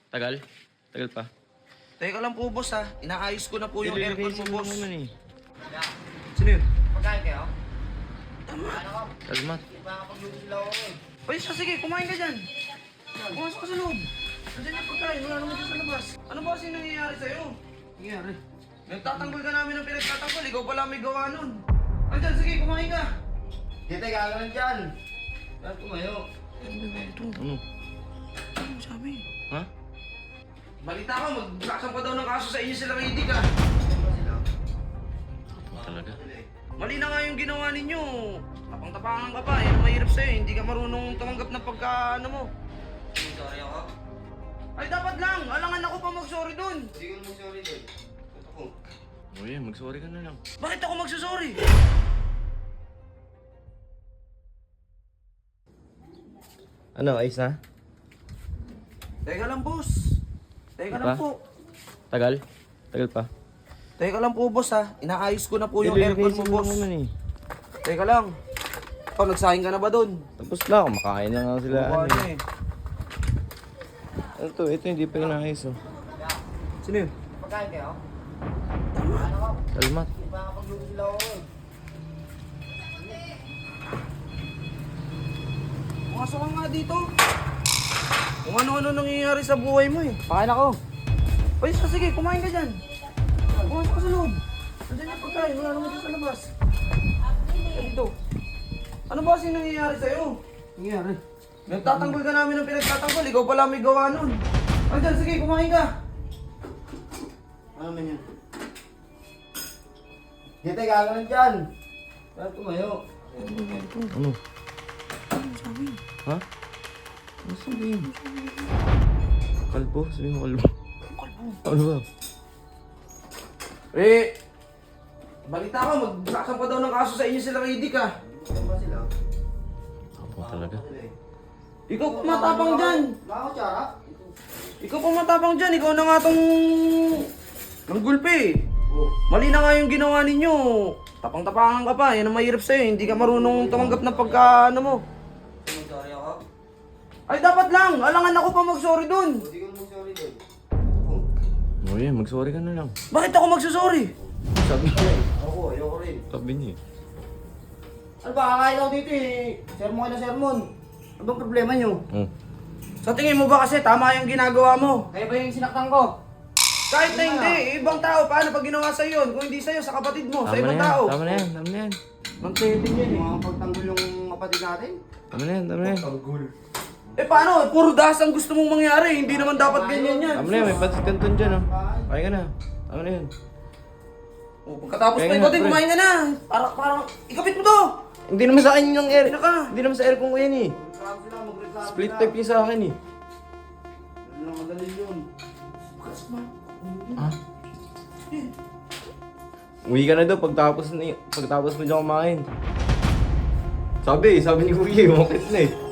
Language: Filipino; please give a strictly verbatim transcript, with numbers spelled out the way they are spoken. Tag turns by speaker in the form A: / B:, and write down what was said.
A: Tagal? Tagal pa?
B: Teka lang po, boss, ha. Inaayos ko na po yung aircon mo, boss.
A: Naman, eh.
B: Sino yun?
C: Pagkain kayo?
A: Kalmat.
C: Makakapagluto sila ako eh.
B: Ay, siya, sige, kumain ka dyan. Pumasok ka sa loob. Nandiyan yung pagkain, wala naman dyan sa labas. Ano ba kasi nangyayari sa'yo? Nangyayari? Nagtatanggol ka namin ng pinagtatanggol, ikaw pala may gawa nun. Andyan, sige, kumain ka.
C: Dito, gagawin dyan. Saan tumayo?
A: Ano?
B: Ano sabi?
A: Ha?
B: Balita ko, magsasampa daw ng kaso sa inyo sila Rady ka.
A: Ano talaga?
B: Mali na nga yung ginawa ninyo. Tapang-tapangan ka pa, yan ang mahirap sa'yo. Hindi ka marunong tumanggap ng pagka, ano mo.
C: Sorry ako.
B: Ay, dapat lang. Alangan ako pa mag-sorry dun.
C: Hindi ko naman sorry din. Ito ko.
A: O yan, mag-sorry ka na lang.
B: Bakit ako magsasorry?
A: Ano, ayos na?
B: Teka lang, boss. Teka
A: Ano
B: lang
A: pa?
B: po.
A: Tagal? Tagal pa?
B: Teka lang po, boss, ha. Inaayos ko na po yung aircon mo, boss.
A: Naman, eh.
B: Teka lang. Ikaw, nagsahing ka na ba dun?
A: Tapos na, kumakain na nga sila.
B: Oo,
A: Ano,
B: ano
A: eh.
B: eh.
A: Ano to? Ito hindi pa inaayos, oh.
B: Sino yun?
C: Pagkain kayo?
A: Kalmat.
C: Makakapagluto sila ako eh.
B: Pumasok ka nga dito. Kung ano-ano nangyayari sa buhay mo eh. Pakain ako. Ay, siya, sige, kumain ka dyan. Pumasok ka sa loob. Nandiyan yung pagkain, wala naman dyan sa labas. Kaya dito. Ano ba kasi nangyayari sa'yo? Nangyayari? Nagtatanggol ka namin ng pinagtatanggol, ikaw pala may gawa nun. Andyan, sige, kumain ka.
C: Ano man yan? Dito, gagawin dyan. Saan tumayo?
A: Ano? Ha? Ano sabihin? Kalbo? Sabihin mo kalbo. Ano ba?
B: Eh, balita ko, magsasampa daw ng kaso sa inyo sila Rady ka.
C: Saan ba sila?
A: Ako talaga.
B: Ikaw pa matapang dyan.
C: Wala ako, Chara.
B: Ikaw pa matapang dyan, ikaw na nga tong... ng gulpi.
C: Oh.
B: Mali na nga yung ginawa ninyo. Tapang-tapangan ka pa, yan ang mahirap sa'yo. Hindi ka marunong tumanggap ng pagka ano mo.
C: Sorry ako.
B: Ay, dapat lang. Alangan ako pa mag-sorry dun.
C: Hindi ko naman sorry din.
A: O yan, mag-sorry ka na lang.
B: Bakit ako magsasorry?
A: Sabi niya.
C: Ako, ayoko rin.
A: Sabi niya.
C: Ano ba, kakain ako dito eh. Sermon ka na sermon. Ano bang problema nyo?
A: Oh.
B: Sa tingin mo ba kasi tama yung ginagawa mo?
C: Kaya ba yung sinaktan ko?
B: Kahit na hindi, ibang tao, paano pag ginawa sa'yo yun? Kung hindi sa'yo, sa kapatid mo, sa
A: Tama na
B: ibang
A: yan.
B: tao.
A: Tama na yan. Tama na yan.
B: Mang pwede yan eh.
C: Mga pagtanggol yung kapatid natin.
A: Tama na yan. Tama na yan.
C: Tanggol.
B: Eh paano? Puro das ang gusto mong mangyari. Hindi naman dapat ganyan yan.
A: Tama na yan. May patis kanton dyan, oh. Kaya ka na. Tama na yan.
B: O, pagkatapos
A: Kaya
B: pa
A: nga,
B: ikaw din,
A: pre.
B: kumain ka na. Parang, parang, ikapit mo to.
A: Hindi naman sa akin yung air.
B: Ano ka?
A: Hindi naman sa aircon ko yan, eh.
C: Magreklamo sila, magreklamo
A: Split
C: sila.
A: type yung sa akin, eh.
C: Ano lang madali yun.
A: Ha? Uwi ka na daw pagtapos, ni, pagtapos mo dyan kumain. Sabi, sabi ni Kuya, umakit na eh.